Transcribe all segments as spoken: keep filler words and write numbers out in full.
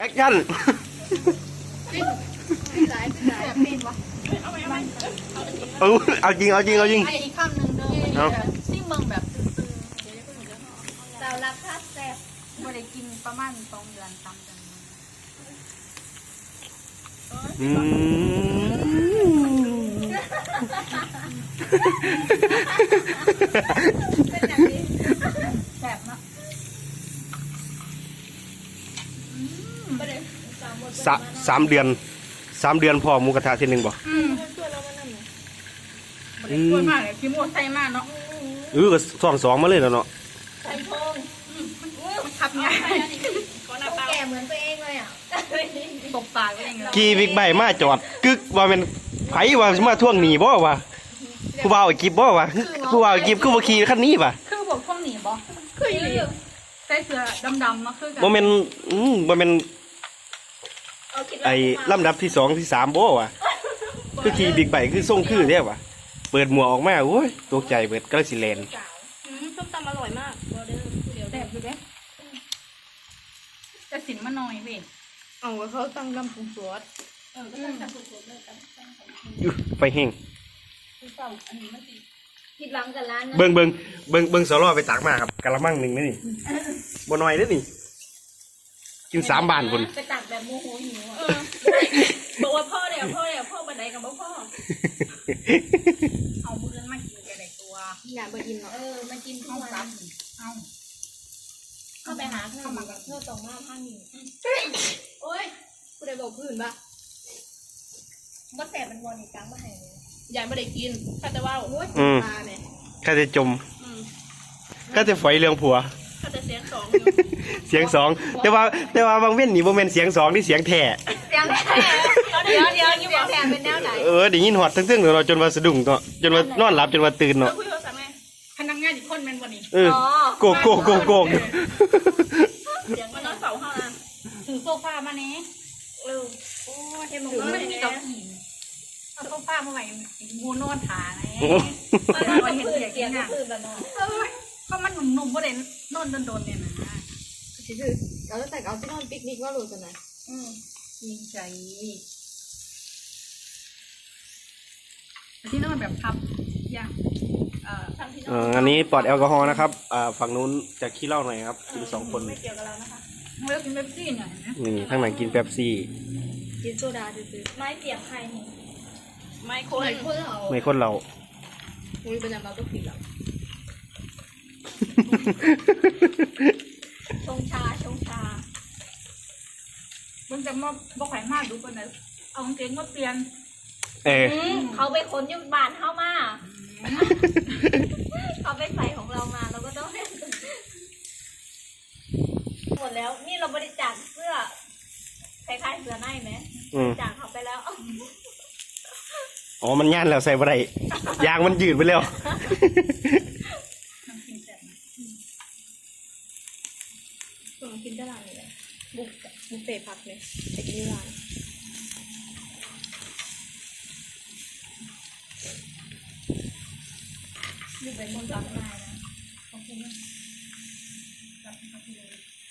แอคชั่นเออเอาจริงเอาจริงเอาจริงอีกคำหนึ่งเด้อซิ่งเบิ่งแบบแต่ราคาแซ่บไม่ได้กินประมาณสองเดือนตามกันอืมแซ่บเนาะสามสามเดือนสามเดือนพอหมูกระทะทีหนึ่งบ่อืมอืมมากเลยพี่โมดใส่มากเนาะเออก็สองสองมาเลยแล้วเนาะใส่ทองมันขับง่ายแก่เหมือนตัวเองเลยอ่ะตบปากตัวเองเลยกี่บิ๊กไบค์มาจอดกึกว่าเป็นไผว่ามาท่วงหนีบ่วะผู้บ่าวกิบบ่วะผู้บ่าวกิบคือบ่ขี่คันนี้ป่ะคือบอกท่วงหนีบ่คืออีใส่เสื้อดำๆมาคือกันบ่แม่นอืมบ่แม่นไอ้ลำดับที่สองที่สามบ่วะคือขี่บิ๊กไบค์คือส่งคือเด้วะเปิดหมวกออกมาโอ้ยตกใจเบิดก็สิแลนส้มตำอร่อยมากแซ่บอยู่เด้จะสินมาหน่อยเว้ยเอาเขาตั้งลำปรุงซอสเออก็ตั้งลำปรุงซอสเลยตั้งตั้งอยู่ไฟแห้งผิดหวังกับร้านนะเบิ่งเบิ่งเบิ่งเบิ่งสลอไปตักมาครับกะละมังหนึ่งนี่บ่น้อยเด้อนี่กินสามบาทพุ่นไปตักแบบโมโหหิวอ่ะบอกว่าพ่อเดี๋ยวพ่อเดี๋ยวพ่อบันไดกับพ่อเอามือมากินกันได้ตัวอย่าไปกินเนาะเออมากินทุกวันเอาเข้าไปหาเพื่อนมากับเพื่อนตรงหน้าท่านนี่โอ้ยกูได้บอกพื้นปะบ่แสบมันวนอีกครั้งมาให้เลยยายไม่ได้กินข้าจะว่าโอ้ยตาเนี่ยข้าจะจมข้าจะฝอยเรื่องผัวข้าจะเสียงสองเสียงสองแต่ว่าแต่ว่าบางเว้นนี่บ่แม่นเสียงสองที่เสียงแท้เสียงแท้เดี๋ยวเดี๋ยวเดี๋ยวแท้เป็นแนวไหนเออได้ยินหอดทั้งๆเราจนว่าสะดุ้งเนาะจนว่านอนหลับจนว่าตื่นเนาะพนักงานอีกคนแม่นวันนี้เออโกกโกกโกกโกกเสียงมันนอนเสาห้องถือโซฟามาเนี้ยเออโอ้เห็นมึงมันมีเก้าอี้เอาโซฟามาใหม่งูนอนขาไงมันนอนเห็นเสียงก็คือแบบนอนเพราะมันหนุ่มๆเพราะเด่นนอนโดนๆเนี่ยนะคือเราจะแต่เอาที่นอนปิกนิกว่าหลุดกันนะอืมดีใจที่นอนแบบพับยากเอ่อทำที่นอนอันนี้ปลอดแอลกอฮอล์นะครับอ่าฝั่งนู้นจะขี้เหล้าหน่อยครับกินสองคนไม่เกี่ยวกับเรานะคะไม่ต้องกินเป๊ปซี่หน่อยนะนี่ข้างหลังกินเป๊ปซี่กินโซดาซื้อไม่เปียกใครนี่ไม่คนไม่คนเราไม่คนเราอุ้ยเป็นอย่างเราต้องผิดแล้วชงชาชงชามันจะมาบอกไข่มากดูคนไหนเอาเกงมาเปลี่ยนเออเขาไปขนยุบานเข้ามาเขาไปใส่ของเรามาเราก็ต้องหมดแล้วนี่เราบริจาคเสื้อคล้ายๆเสื้อในไหมบริจาคเขาไปแล้วอ๋อมันย่านแล้วใส่บ่ได้ยางมันยืดไปแล้วกินได้ร้านเลยบุกบุกเตะผักเลยไปกินที่ร้านอยู่เป็นคนรักนายนะขอบคุณนะรักเขาเลย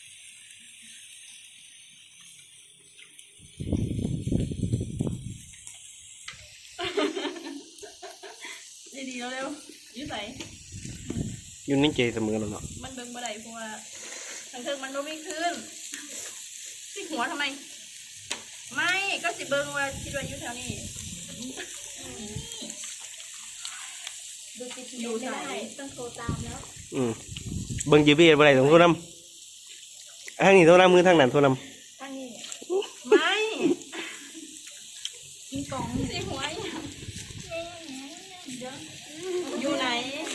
ดีๆแล้วเร็วยืดใส่ยุ่นนิ่งเจเสมอแล้วเนาะมันเบิ่งบ่ได้เพราะว่าทางเทิงมันโน้มไม่ขึ้นที่หัวทำไมไม่ก็สิเบิ่งว่าคิดว่าอยู่แถวนี้ดูติดอยู่ไม่ได้ต้องโทรตามแล้วอืมเบิ่งจีพีเอสบ่ได้ต้องโทรนำทางนี้โทรนำมือทางนั้นโทรนำทางนี้ไม่มีกล่องที่หัวอยู่ไหน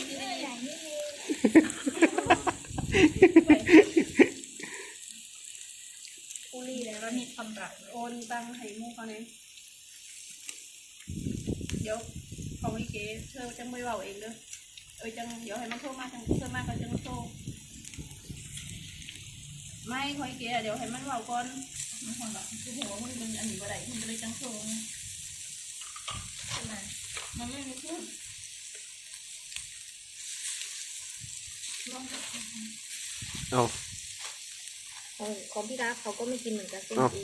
กูรีแล้วแล้วมีคำรักโอนตังให้มูเขาเนี่ยเดี๋ยวเขาไม่เก๋เธอจะไม่เบาเองเด้อเออจังเดี๋ยวให้มันโทรมาจังเธอมาก็จังโทรไม่คอยเก๋เดี๋ยวให้มันเบาก่อนมันหัวแบบคือหัวมันเป็นอันนี้บ่ได้มันเลยจังโทรใช่ไหมมันไม่มีพูดเอาของของพี่รักเขาก็ไม่กินเหมือนกันเส้นอี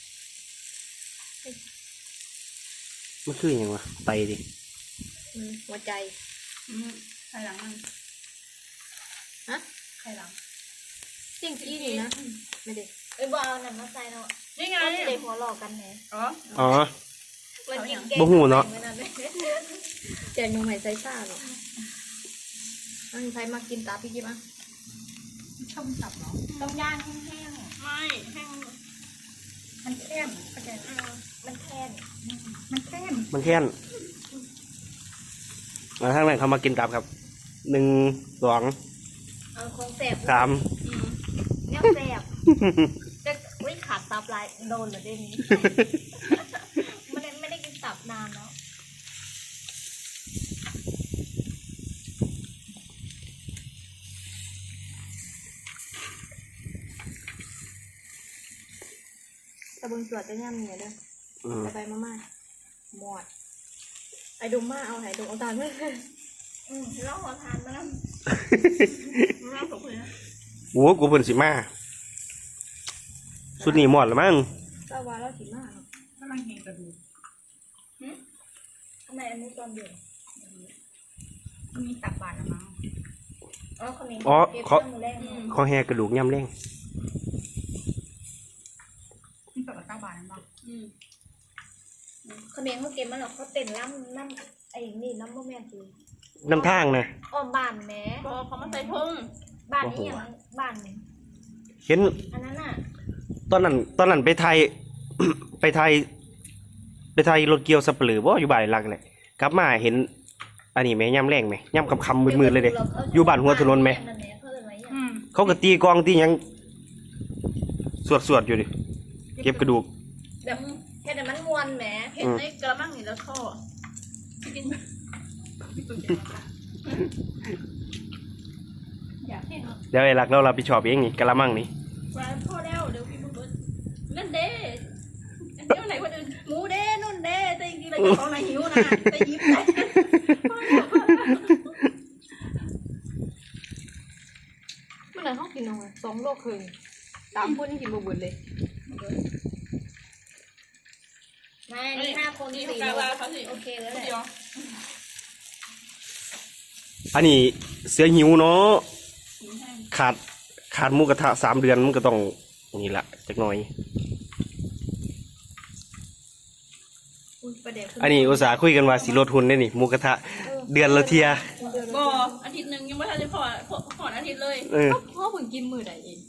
มันคืออย่างวะไปดิอืมหัวใจอืมไข่หลังมันฮะไข่หลังเส้นอีนี่นะไม่ได้เอ้ยบ่เอาหนังมาใส่เนาะนี่ไงเราจะได้หัวหลอกกันแหน่อ๋ออ๋อวันกินแกงบ่หูเนาะไว้นั่นเลยแจกหนูใหม่ใส่ซ่าหรอกอันนี้ใครมากินตาพี่กิ๊บอ่ะชอบตับเหรอต้องย่างแห้งไม่แห้งมันแค้นเข้าใจไหมๆมันแค้นมันแค้นมันแค่นมาทางนั้นเขามากินตับครับหนึ่งสองเอาของแสบสามเนี่ยแสบจะอุ้ยขาดตับลายโดนเหรอเด่นนี้ไม่ได้ไม่ได้กินตับนานแล้วตะเบิงสวดจะย่ำเนี่ยเด้ออืมไปไปมามาหมดไอ้ดุมมาเอาไหนดุมเอาตาลเพื่อนอืมแล้วหัวทานมาแล้วรู้ว่าผมเลยนะโอ้กูเพิ่นสิมาสุดนี้หมดแล้วมั้งก็ว่าเราสิมาเนาะกำลังเห็นกระดูกทำไมอันนี้ตอนเดือดมันมีตับบานละมั้งอ๋อคนนี้อ๋อเก็บเขาเครื่องมือแรกเนาะขอแหกระดูกย่ำแรงมีตับกับตับบานละมั้งอืมคนนี้เขาเก็บมาแล้วเขาเต้นล้ำน้ำไอ้นี่น้ำโมเมนต์คือน้ำทางนะอ้อมบ้านแหม่พอเขามาใส่ทงบ้านนี้อย่างบ้านเห็นอันนั้นอ่ะตอนนั้นตอนนั้นไปไทย ไปไทย ไปไทยรถเกี่ยวสับเปลือบ่อยู่บ่ายหลักเลยกลับมาเห็น อันนี้ไหมย่ำแรงไหมย่ำคำคำมืดๆเลยเด้ อยู่บ้านหัวถนนไหมนั่นแหละเขาเลยไว้อย่างอืมเขาก็ตีกลองตีหยังสวดสวดๆอยู่ดิเก็บกระดูกแบบแค่แต่มันมวนแหมเห็นในกระมังนี่แล้วท่อกินอยากเห็นเนาะเดี๋ยวไอ้หลักเรารับผิดชอบเองนี่กะละมังนี่ว่าพ่อแล้วเดี๋ยวพี่บุญเบิร์ดนั่นเด้อันเดียวไหนคนอื่นหมูเด้นุ่นเด้แต่จริงๆเราจะของนายหิวนะแต่ยิ้มได้เมื่อไหร่เขากินเอาไงสองโลครึ่งสามคนนี่กินบ่เบิดเลยไม่นี่ห้าคนสี่โลโอเคแล้วแหละเดี๋ยวอันนี้เสือหิวเนาะขาดขาดหมูกระทะสามเดือนมันก็ต้องนี่แหละจักหน่อยอุ้ยประเดี๋ยวอันนี้อุตส่าห์คุยกันว่าสิลดทุนได้นี่หมูกระทะเดือนละเทียบ่อาทิตย์หนึ่งยังไม่ทันได้พอพอพออาทิตย์เลยเออพ่อเพิ่งกินมื้อใดเอง